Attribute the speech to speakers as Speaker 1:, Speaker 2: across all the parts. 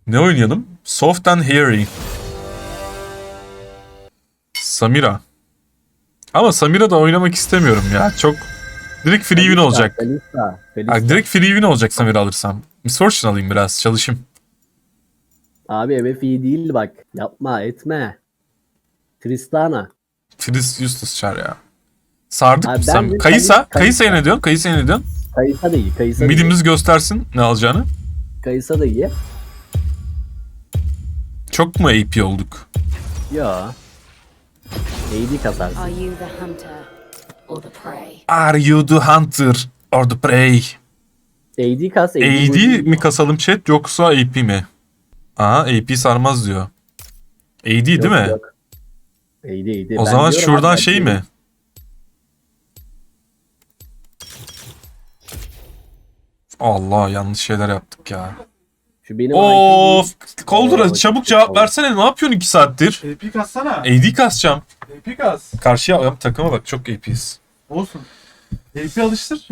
Speaker 1: Ne oynayalım? Soft and Hairy. Samira. Ama Samira da oynamak istemiyorum ya. Çok direkt free win olacak.
Speaker 2: Felista.
Speaker 1: Direkt free win olacak Samira alırsam. Miss Fortune alayım biraz çalışayım.
Speaker 2: Abi MF iyi değil bak. Yapma etme. Tristana.
Speaker 1: Frizz useless çar ya. Sardık
Speaker 2: Abi
Speaker 1: mı
Speaker 2: ben
Speaker 1: Sam?
Speaker 2: de
Speaker 1: Kayısa.
Speaker 2: Kayısa.
Speaker 1: Kayısa'ya ne diyorsun? Kayısa'ya ne diyorsun?
Speaker 2: Kayısa da iyi. Kayısa da iyi.
Speaker 1: Midimiz göstersin ne alacağını.
Speaker 2: Kayısa da iyi.
Speaker 1: Çok mu AP olduk?
Speaker 2: Yo. AD kasarsın.
Speaker 3: Are you the hunter or the prey?
Speaker 1: Are you the hunter or the prey?
Speaker 2: AD kas.
Speaker 1: AD mi kasalım chat yoksa AP mi? Aha AP sarmaz diyor. AD değil mi?
Speaker 2: Yok. AD.
Speaker 1: O zaman şuradan şey mi? Allah yanlış şeyler yaptık ya.
Speaker 2: Şu benim
Speaker 1: Of! Koldura
Speaker 2: Oo,
Speaker 1: çabuk
Speaker 2: çok
Speaker 1: cevap
Speaker 2: oldu.
Speaker 1: versene ne yapıyorsun 2 saattir?
Speaker 4: AP kassana.
Speaker 1: AD kasacağım.
Speaker 4: AP kas.
Speaker 1: Karşıya yap takıma bak çok AP'yiz.
Speaker 4: Olsun. AP alıştır.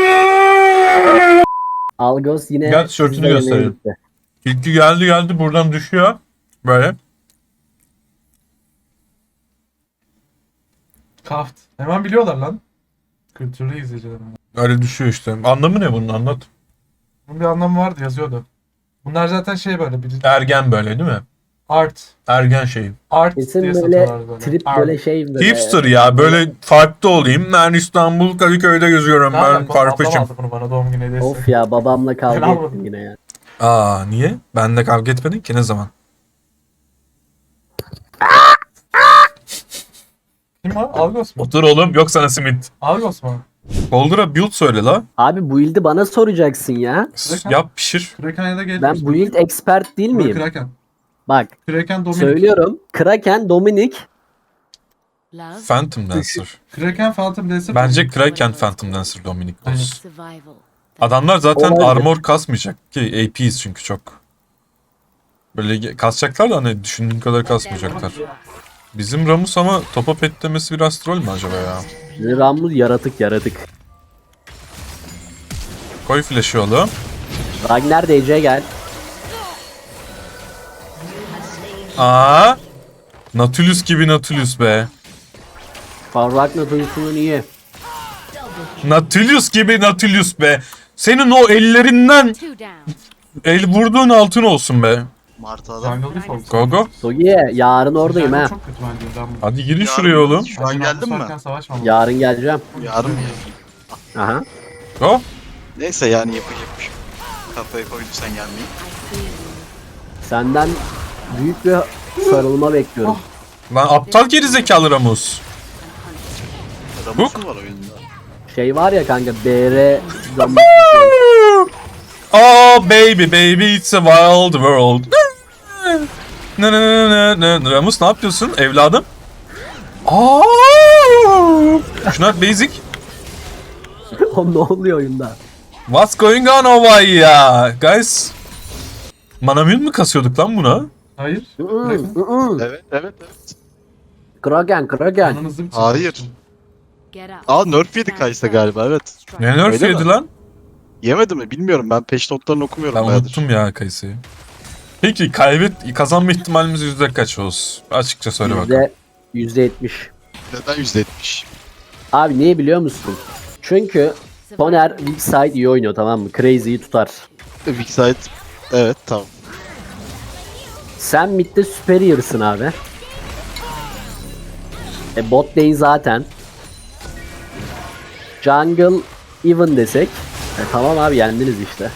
Speaker 2: Algos yine
Speaker 1: Gel tişörtünü
Speaker 2: sizden yemeğe
Speaker 1: gösterelim.
Speaker 2: gitti.
Speaker 1: İlki geldi buradan düşüyor. Böyle.
Speaker 4: Kaft. Hemen biliyorlar lan. Kültürlü izleyiciler.
Speaker 1: Öyle düşüyor işte. Anlamı ne bunun anlat.
Speaker 4: Bunun bir anlamı vardı yazıyordu. Bunlar zaten şey böyle bir
Speaker 1: Ergen böyle değil mi?
Speaker 4: art.
Speaker 1: Ergen şey.
Speaker 4: Art
Speaker 2: Kesin
Speaker 4: diye
Speaker 2: böyle
Speaker 4: satıyorlar böyle.
Speaker 2: trip
Speaker 4: Art.
Speaker 2: böyle şey böyle.
Speaker 1: Hipster ya böyle farklı olayım. Ben İstanbul Kadıköy'de geziyorum. Ben
Speaker 4: Ablam
Speaker 1: Farfetch'im.
Speaker 4: aldı bunu bana doğum günü hediyesi.
Speaker 2: Of ya babamla kavga
Speaker 4: Ben
Speaker 2: ettim
Speaker 4: almadım.
Speaker 2: yine ya.
Speaker 1: Aa niye? Ben de kavga etmedin ki ne zaman?
Speaker 4: Kim o? Algos mu?
Speaker 1: Otur oğlum yok sana simit.
Speaker 4: Algos mu?
Speaker 1: Koldura build söyle la.
Speaker 2: Abi bu ildi bana soracaksın ya.
Speaker 1: Yap pişir.
Speaker 4: Kraken ya da Gale
Speaker 2: Ben
Speaker 4: Force.
Speaker 2: bu ildi expert değil miyim?
Speaker 4: Kraken.
Speaker 2: Bak
Speaker 4: Kraken Dominic.
Speaker 2: söylüyorum. Kraken, Dominic.
Speaker 3: Love,
Speaker 1: Phantom Dancer.
Speaker 4: Kraken Phantom Dancer.
Speaker 1: Bence Kraken Phantom Dancer Dominic olsun.
Speaker 3: survival.
Speaker 1: Adamlar zaten
Speaker 2: Olabilir.
Speaker 1: armor kasmayacak ki AP'yiz çünkü çok. Böyle kasacaklar da hani düşündüğün kadar kasmayacaklar. Bizim Ramus ama topa pet demesi biraz troll mü acaba ya?
Speaker 2: Rammus yaratık.
Speaker 1: Koy flash'ı oğlum.
Speaker 2: Ragnar DC gel.
Speaker 1: Aa! Nautilus gibi Nautilus be.
Speaker 2: Ragnar duyusunun iyi.
Speaker 1: Nautilus gibi Nautilus be. Senin o ellerinden
Speaker 3: Two down.
Speaker 1: el vurduğun altın olsun be.
Speaker 5: Martı adam.
Speaker 4: Jungle Default.
Speaker 1: Go go.
Speaker 2: Sogiye yarın oradayım
Speaker 4: Jungle
Speaker 2: ha.
Speaker 4: Çok kötü bence. Ben
Speaker 1: Hadi girin
Speaker 5: Yarın-
Speaker 1: şuraya oğlum.
Speaker 5: Şu an geldin mi?
Speaker 4: Savaşmam.
Speaker 2: Yarın geleceğim.
Speaker 5: Yarın mı?
Speaker 2: Aha.
Speaker 1: Go.
Speaker 5: Neyse yani yapacak bir şey yok. Kafaya koydum sen gelmeyi.
Speaker 3: I see you.
Speaker 2: Senden büyük bir sarılma bekliyorum.
Speaker 1: Lan aptal gerizekalı Ramus.
Speaker 5: Ramus mu var oyunda?
Speaker 2: Şey var ya kanka BR
Speaker 1: Oh baby it's a wild world. Ne. Ramus ne yapıyorsun evladım? Aa! Şuna at basic.
Speaker 2: O ne oluyor oyunda?
Speaker 1: What's going on over here? Guys. Manamyon mu kasıyorduk lan buna?
Speaker 4: Hayır. Kraken.
Speaker 5: Evet.
Speaker 2: Kraken.
Speaker 4: Ananızı bir
Speaker 5: Hayır.
Speaker 3: Get up.
Speaker 5: Aa nerf yedi Kaysa galiba evet.
Speaker 1: Ne nerf
Speaker 5: Öyle
Speaker 1: yedi
Speaker 5: mi?
Speaker 1: lan?
Speaker 5: Yemedi mi bilmiyorum ben peş notlarını okumuyorum
Speaker 1: Ben
Speaker 5: bayağıdır.
Speaker 1: unuttum ya Kayısı'yı. Peki kazanma ihtimalimiz yüzde kaç olsun? Açıkça söyle bakalım.
Speaker 2: %70.
Speaker 5: Neden %70?
Speaker 2: Abi niye biliyor musun? Çünkü Soner weak side iyi oynuyor tamam mı? Crazy'yi tutar.
Speaker 5: Weak side. Evet tamam.
Speaker 2: Sen midde superior'sın abi. Bot lane zaten. Jungle even desek. Tamam abi yendiniz işte.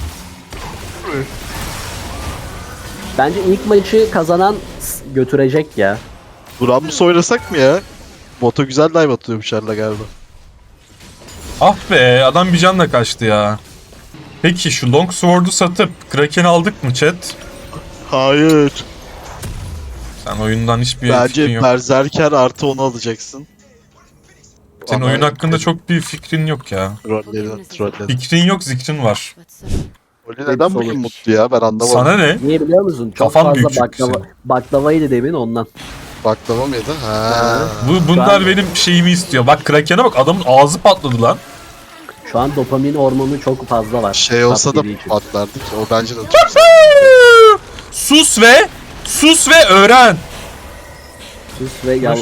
Speaker 2: Bence ilk maçı kazanan götürecek ya.
Speaker 5: Bu Ramus oynasak mı ya? Boto güzel dive atıyormuş Erla galiba.
Speaker 1: Ah be adam bir canla kaçtı ya. Peki şu Longsword'u satıp Kraken'i aldık mı chat?
Speaker 5: Hayır.
Speaker 1: Sen oyundan hiçbir fikrin
Speaker 5: Bence
Speaker 1: yok.
Speaker 5: Berserker artı onu alacaksın.
Speaker 1: Senin
Speaker 5: Ama-
Speaker 1: oyun hakkında çok bir fikrin yok ya.
Speaker 5: Trolledim.
Speaker 2: şey
Speaker 1: Fikrin yok zikrin var.
Speaker 3: But so
Speaker 5: Oli neden bugün mutlu ya ben anlamadım.
Speaker 1: Sana ne?
Speaker 2: Niye biliyor musun? Çok
Speaker 1: Kafan
Speaker 2: fazla
Speaker 1: büyük çünkü
Speaker 2: baklavaydı demin ondan.
Speaker 5: Baklava mı yedin? Ha.
Speaker 1: Bunlar
Speaker 2: Ben-
Speaker 1: benim şeyimi istiyor. Bak Kraken'e bak adamın ağzı patladı lan.
Speaker 2: Şu an dopamin hormonu çok fazla var.
Speaker 5: Şey olsa da
Speaker 2: Tat yediği için.
Speaker 5: patlardı ki o bence de çok
Speaker 1: Su sus ve öğren.
Speaker 2: Sus ve yav...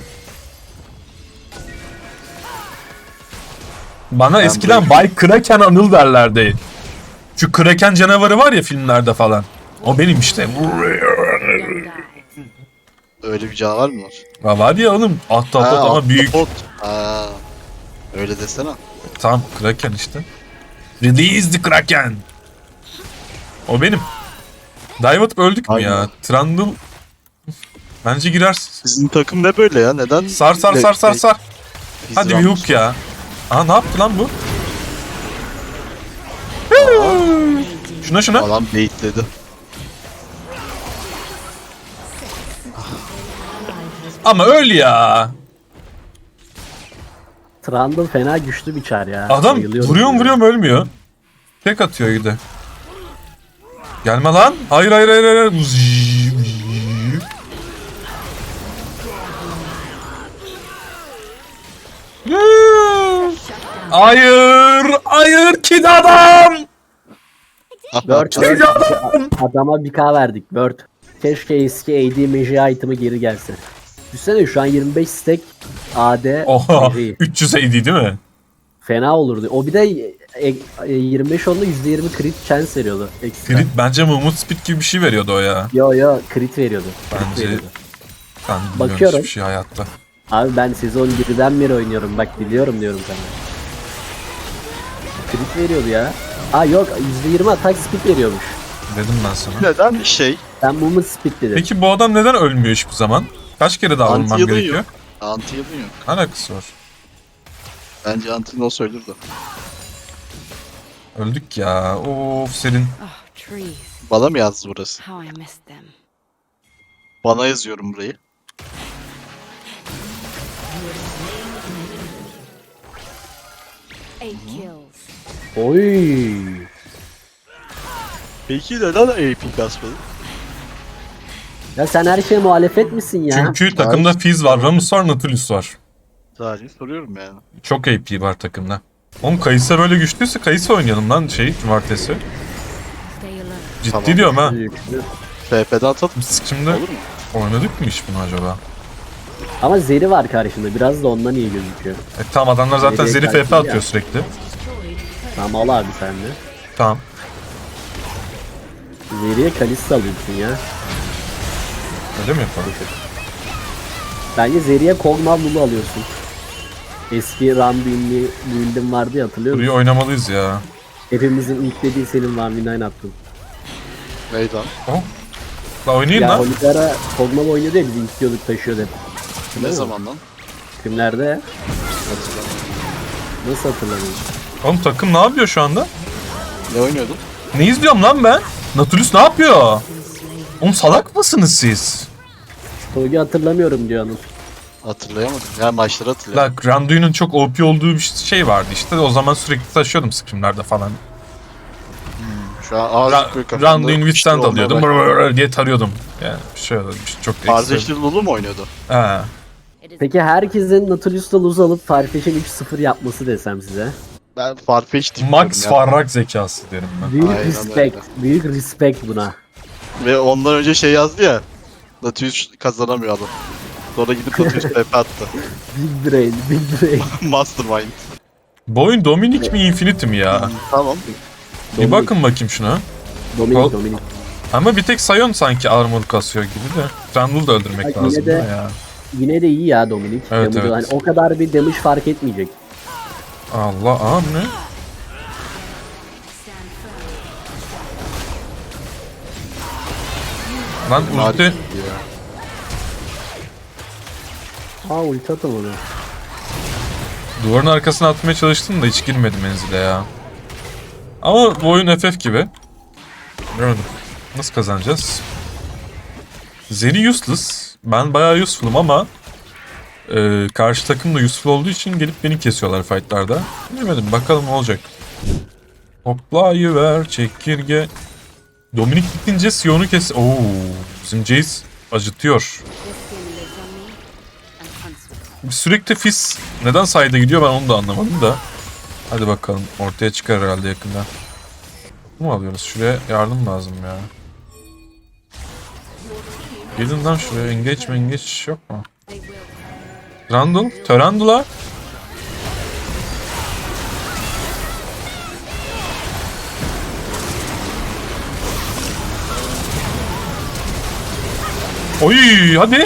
Speaker 1: Bana eskiden Bay Kraken Anıl derlerdi. Şu Kraken canavarı var ya filmlerde falan. O benim işte.
Speaker 3: Don't die.
Speaker 5: Öyle bir canavar mı var?
Speaker 1: Ya var ya oğlum ahtapot ama büyük.
Speaker 5: ahtapot. Ha, öyle desene.
Speaker 1: Tamam Kraken işte. Release the Kraken. O benim. Dive atıp öldük mü ya?
Speaker 5: Aynen.
Speaker 1: Trundle. Bence girersin.
Speaker 5: Sizin takım ne böyle ya? Neden?
Speaker 1: Sar.
Speaker 5: Biz
Speaker 1: Hadi bir
Speaker 5: Ramos.
Speaker 1: hook ya. Aa ne yaptı lan bu? Şuna.
Speaker 5: Adam baitledi.
Speaker 1: Ama öl ya.
Speaker 2: Trundle fena güçlü bir çar ya.
Speaker 1: Adam
Speaker 2: Bayılıyorum.
Speaker 1: vuruyorum ölmüyor. Tek atıyor bir de. Gelme lan. Hayır. Hayır kid adam.
Speaker 2: Bird. Adama 1k verdik. Bird. Keşke eski AD Magi item'ı geri gelse. Düşünsene şu an 25 stack AD
Speaker 1: Oha
Speaker 2: Magi.
Speaker 1: 300 AD değil mi?
Speaker 2: Fena olurdu. O bir de 25 onlu %20 crit chance veriyordu. Ekstra.
Speaker 1: Crit bence Mumut Speed gibi bir şey veriyordu o ya.
Speaker 2: Yo crit veriyordu. Crit
Speaker 1: Bence
Speaker 2: veriyordu.
Speaker 1: ben bilmiyorum
Speaker 2: Bakıyorum.
Speaker 1: hiçbir şey hayatta.
Speaker 2: Abi ben sezon 1'den beri oynuyorum. Bak biliyorum diyorum sana. Crit veriyordu ya. Aa yok %20 attack speed veriyormuş.
Speaker 1: Dedim ben sana.
Speaker 5: Neden şey?
Speaker 2: Ben movement speed dedim.
Speaker 1: Peki bu adam neden ölmüyor hiçbir zaman? Kaç kere daha vurmam
Speaker 5: Anti-yılın
Speaker 1: gerekiyor?
Speaker 5: yok. Anti-yılın yok.
Speaker 1: Alakası var.
Speaker 5: Bence anti olsa ölür de.
Speaker 1: Öldük ya. Of senin.
Speaker 3: Oh, trees.
Speaker 5: Bana mı yazdı burası?
Speaker 3: How I missed them.
Speaker 5: Bana yazıyorum burayı.
Speaker 3: Eight kills.
Speaker 2: Oy.
Speaker 5: Peki neden AP kasmadı?
Speaker 2: Ya sen her şeye muhalefet misin ya?
Speaker 1: Çünkü takımda Fizz var, Ramus var, Nautilus var.
Speaker 5: Sadece soruyorum yani.
Speaker 1: Çok AP var takımda. Oğlum Kayısa böyle güçlüyse Kayısa oynayalım lan cumartesi.
Speaker 3: Stay alert.
Speaker 1: Ciddi
Speaker 5: Tamam.
Speaker 1: diyorum ha.
Speaker 5: FP'den atalım.
Speaker 1: Biz şimdi
Speaker 5: Olur mu?
Speaker 1: oynadık mı hiç bunu acaba?
Speaker 2: Ama Zeri var karşında. Biraz da ondan iyi gözüküyor.
Speaker 1: Tamam adamlar zaten
Speaker 2: Zeri
Speaker 1: Zeri
Speaker 2: kaçtı
Speaker 1: FP
Speaker 2: ya.
Speaker 1: atıyor sürekli.
Speaker 2: Tamam al abi sen de.
Speaker 1: Tamam.
Speaker 2: Zeri'ye Kalista alıyorsun ya.
Speaker 1: Öyle mi yapalım?
Speaker 2: Bence Zeri'ye Kog'Maw Lulu alıyorsun. Eski Randuin'li build'im vardı ya hatırlıyor musun?
Speaker 1: Burayı oynamalıyız ya.
Speaker 2: Hepimizin ilk dediği senin Randuin'den attın.
Speaker 5: Meydan.
Speaker 1: Oh. La oynayayım
Speaker 2: Ya
Speaker 1: lan.
Speaker 2: Holigara Kog'Maw oynuyordu ya biz ilk diyorduk taşıyordu hep.
Speaker 5: Ne
Speaker 2: mi?
Speaker 5: zaman lan?
Speaker 2: Kimlerde? Nasıl hatırlamıyorum?
Speaker 1: Oğlum takım ne yapıyor şu anda?
Speaker 5: Ne oynuyordun?
Speaker 1: Ne izliyorum lan ben? Nautilus ne yapıyor? Oğlum salak mısınız siz?
Speaker 2: Togi hatırlamıyorum diyor Anıl.
Speaker 5: Hatırlayamadım. Ya maçları hatırlıyorum.
Speaker 1: La Randuin'in çok OP olduğu bir şey vardı işte. O zaman sürekli taşıyordum scrimlerde falan.
Speaker 5: Şu an ağzı böyle kafamda
Speaker 1: Randuin
Speaker 5: işte
Speaker 1: Withstand
Speaker 5: olmaya
Speaker 1: alıyordum.
Speaker 5: başladı.
Speaker 1: Brrrr diye tarıyordum. Yani bir şey oldu. Çok ekstra.
Speaker 5: Kardeşli Lulu mu oynuyordu?
Speaker 1: He.
Speaker 3: It is
Speaker 2: Peki herkesin Nautilus'la Luz alıp Farfetch'in 3-0 yapması desem size.
Speaker 5: Ben Farfetch diyorum
Speaker 1: Max
Speaker 5: ya.
Speaker 1: Farrak zekası derim ben.
Speaker 2: Büyük
Speaker 5: Aynen
Speaker 2: respect.
Speaker 5: öyle.
Speaker 2: Büyük respect buna.
Speaker 5: Ve ondan önce şey yazdı ya. Nautilus kazanamıyor adam. Sonra gidip Nautilus FP attı.
Speaker 2: Big brain, big brain.
Speaker 5: Mastermind.
Speaker 1: Bu oyun Dominic mi Infinity mi ya?
Speaker 5: Tamam.
Speaker 1: Bir bakın bakayım şuna.
Speaker 2: Dominik, Dominik.
Speaker 1: Ama bir tek Sion sanki armor kasıyor gibi de. Trundle'ı da öldürmek
Speaker 2: Ay,
Speaker 1: lazım
Speaker 2: yine de-
Speaker 1: da ya.
Speaker 2: Yine de iyi ya Dominik.
Speaker 1: Evet,
Speaker 2: Damage'ı
Speaker 1: evet.
Speaker 2: hani o kadar bir damage fark etmeyecek.
Speaker 1: Allah aa bu ne? Lan ulti.
Speaker 5: Ya.
Speaker 2: Aa ulti atam onu.
Speaker 1: Duvarın arkasına atmaya çalıştım da hiç girmedi menzile ya. Ama bu oyun FF gibi. Gördüm. Nasıl kazanacağız? Zeri useless. Ben bayağı useful'um ama karşı takım da useful olduğu için gelip beni kesiyorlar fightlarda. Bilmedim bakalım ne olacak. Hoplayıver çekirge. Dominik bitince Sion'u kes... Oo, bizim Jace acıtıyor.
Speaker 3: this skin lives on me and hunts with me.
Speaker 1: Sürekli Fizz neden sayda gidiyor ben onu da anlamadım da. Hadi bakalım ortaya çıkar herhalde yakında. Bu mu alıyoruz? Şuraya yardım lazım ya. Gelin lan şuraya. Engage yok mu?
Speaker 3: They will.
Speaker 1: Trundle. Törandula. Oy hadi.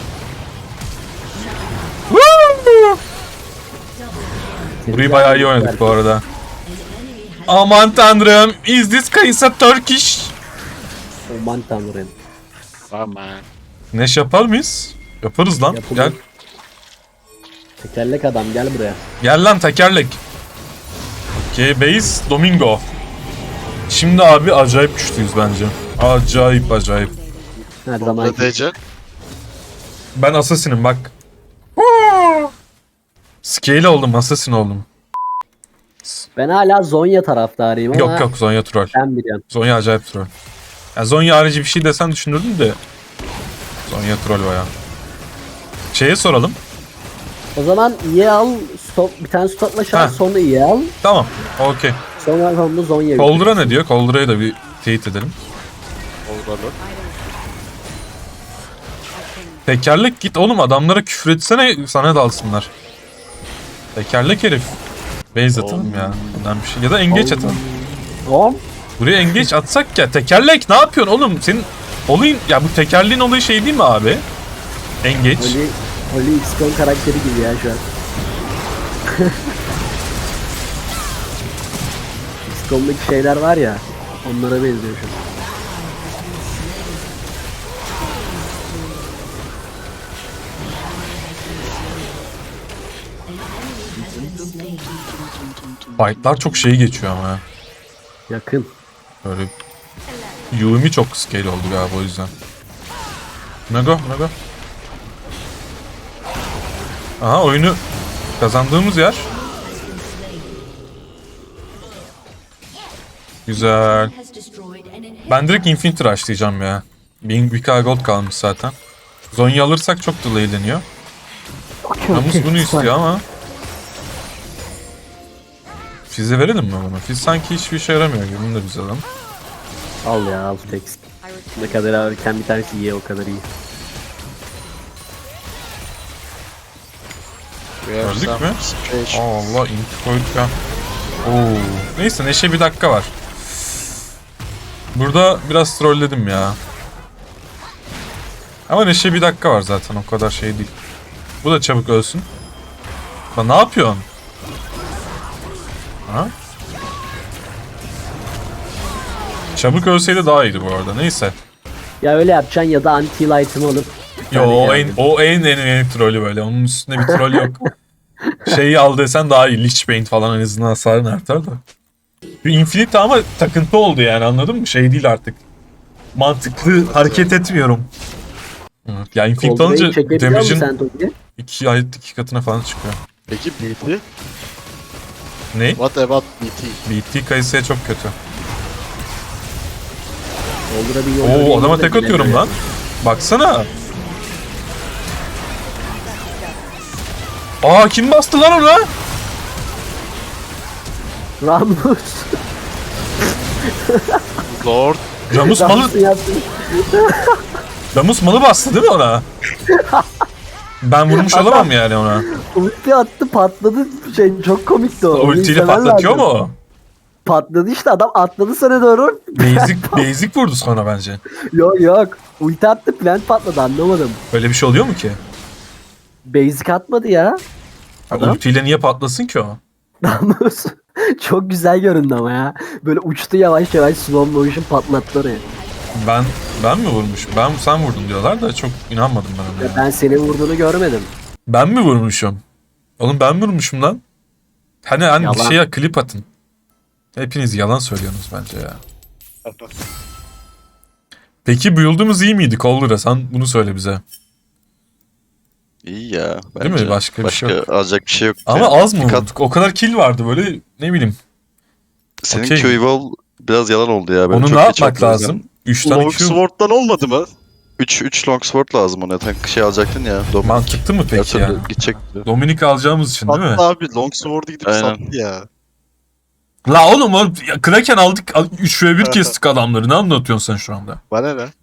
Speaker 1: Woo! Burayı bayağı iyi oynadık bu arada. Aman tanrım. Is this Kaysa Turkish?
Speaker 2: Aman tanrım.
Speaker 5: Aman.
Speaker 1: Neş yapar mıyız? Yaparız lan.
Speaker 2: Yapılır.
Speaker 1: Gel.
Speaker 2: Tekerlek adam gel buraya.
Speaker 1: Gel lan tekerlek. Okay, base Domingo. Şimdi abi acayip güçlüyüz bence. Acayip.
Speaker 2: Her zaman
Speaker 5: Ne diyeceksin?
Speaker 1: Ben Assassin'im bak. Scale oldum, Assassin oldum.
Speaker 2: ben hala Zonya taraftarıyım ama
Speaker 1: Yok Zonya troll.
Speaker 2: sen biliyorsun.
Speaker 1: Zonya acayip troll. Yani Zonya harici bir şey desen düşünürdüm de. Zonya troll bayağı. Şeye soralım.
Speaker 2: O zaman iyi al, stop, bir tane stopla şans
Speaker 1: Heh.
Speaker 2: sonra iyi al.
Speaker 1: Tamam. Okey.
Speaker 2: Sonra sonunda Zonya.
Speaker 1: Coldra ne diyor? Coldra'yı da bir teyit edelim.
Speaker 5: Olur.
Speaker 1: Tekerlek git oğlum adamlara küfür etsene sana dalsınlar. Tekerlek herif. Base atalım ya. Bundan bir şey. Ya da engage atalım.
Speaker 2: Tamam.
Speaker 1: Buraya engage atsak ya. Tekerlek ne yapıyorsun oğlum? Senin olayın ya bu tekerleğin olayı şey değil mi abi? Engage.
Speaker 2: Oli XCOM karakteri gibi ya şu an. XCOM'daki şeyler var ya, onlara benziyor şu an.
Speaker 1: Fight'lar çok şey geçiyor ama ya.
Speaker 2: Yakın.
Speaker 1: Böyle Yumi çok scale oldu galiba o yüzden. Nago. Aha oyunu kazandığımız yer. Güzel. Ben direkt Infinity Rush'layacağım ya. 1000 gold kalmış zaten. Zonya alırsak çok delayleniyor. Namus bunu istiyor ama. Fizz'e verelim mi bunu? Fizz sanki hiçbir işe yaramıyor gibi. Bunu da biz alalım.
Speaker 2: Al ya, al tek. Ne kadar alırken bir tanesi iyi, o kadar iyi.
Speaker 1: Gördük mü? Allah inti koyduk ya. Oo. Neyse Neşe bir dakika var. Burada biraz trolledim ya. Ama Neşe bir dakika var zaten o kadar şey değil. Bu da çabuk ölsün. Lan ne yapıyorsun? Ha? Çabuk ölseydi daha iyiydi bu arada. Neyse.
Speaker 2: Ya öyle yapacaksın ya da anti item alıp.
Speaker 1: Yo o en trolü böyle. Onun üstünde bir troll yok. Şeyi al desen daha iyi. Lichbane falan en azından hasarın artar da. Bir Infinite ama takıntı oldu yani anladın mı? Şey değil artık. Mantıklı hareket etmiyorum. Evet, ya Infinite alınca
Speaker 2: Coldplay'i çekebiliyor musun
Speaker 1: damage'in
Speaker 2: sen Toki?
Speaker 1: 2 katına falan çıkıyor.
Speaker 5: Peki BT?
Speaker 1: Ne?
Speaker 5: What about BT?
Speaker 1: BT kayısıya çok kötü.
Speaker 2: Coldra bir yolda
Speaker 1: Oo adama
Speaker 2: değil de
Speaker 1: tek atıyorum
Speaker 2: bilemiyorum.
Speaker 1: lan. Baksana. Aa kim bastı lan ona?
Speaker 2: Ramus.
Speaker 5: Lord.
Speaker 1: Ramus malı,
Speaker 2: Ramus'un yaptığı-
Speaker 1: Ramus malı bastı değil mi ona? Ben vurmuş olamam yani ona.
Speaker 2: Ulti attı, patladı, şey çok komikti o. Onu
Speaker 1: Ultiyle
Speaker 2: izlemen
Speaker 1: patlatıyor
Speaker 2: lazım.
Speaker 1: mu o?
Speaker 2: Patladı işte, adam atladı sana doğru.
Speaker 1: Basic vurdu sonra bence.
Speaker 2: Yok. Ulti attı, plant patladı, anlamadım.
Speaker 1: Öyle bir şey oluyor mu ki?
Speaker 2: Basic atmadı ya.
Speaker 1: Ya
Speaker 2: Adam.
Speaker 1: ultiyle niye patlasın ki o?
Speaker 2: Ramus. Çok güzel göründü ama ya. Böyle uçtu yavaş yavaş, slow motion patlattı oraya.
Speaker 1: Ben mi vurmuşum? Sen vurdun diyorlar da çok inanmadım ben ona.
Speaker 2: Ya
Speaker 1: Ya.
Speaker 2: ben senin vurduğunu görmedim.
Speaker 1: Ben mi vurmuşum? Oğlum ben mi vurmuşum lan? Hani
Speaker 2: Yalan.
Speaker 1: şeye klip atın. Hepiniz yalan söylüyorsunuz bence ya. Peki build'umuz iyi miydi Coldra? Sen bunu söyle bize.
Speaker 5: İyi ya.
Speaker 1: Değil mi?
Speaker 5: Bence.
Speaker 1: Başka bir şey yok.
Speaker 5: alacak bir şey yok.
Speaker 1: Ama az mı vurduk? O kadar kill vardı böyle ne bileyim.
Speaker 5: Senin
Speaker 1: Okey.
Speaker 5: Q-Evolve biraz yalan oldu ya. Ben
Speaker 1: Onu
Speaker 5: çok
Speaker 1: ne
Speaker 5: geç
Speaker 1: yapmak
Speaker 5: attım o yüzden.
Speaker 1: lazım? 3 tane Q
Speaker 5: Longsword'dan olmadı mı? 3 Longsword lazım ona. Sen şey alacaktın ya. Dominic.
Speaker 1: mantıklı mı peki ya?
Speaker 5: Gidecekti.
Speaker 1: Dominik alacağımız için değil mi?
Speaker 4: Hatta abi Longsword'u gidip
Speaker 5: Aynen.
Speaker 4: sattı ya.
Speaker 1: La oğlum Kraken aldık 3 ve 1 kestik adamları. Ne anlatıyorsun sen şu anda?
Speaker 4: Bana ne?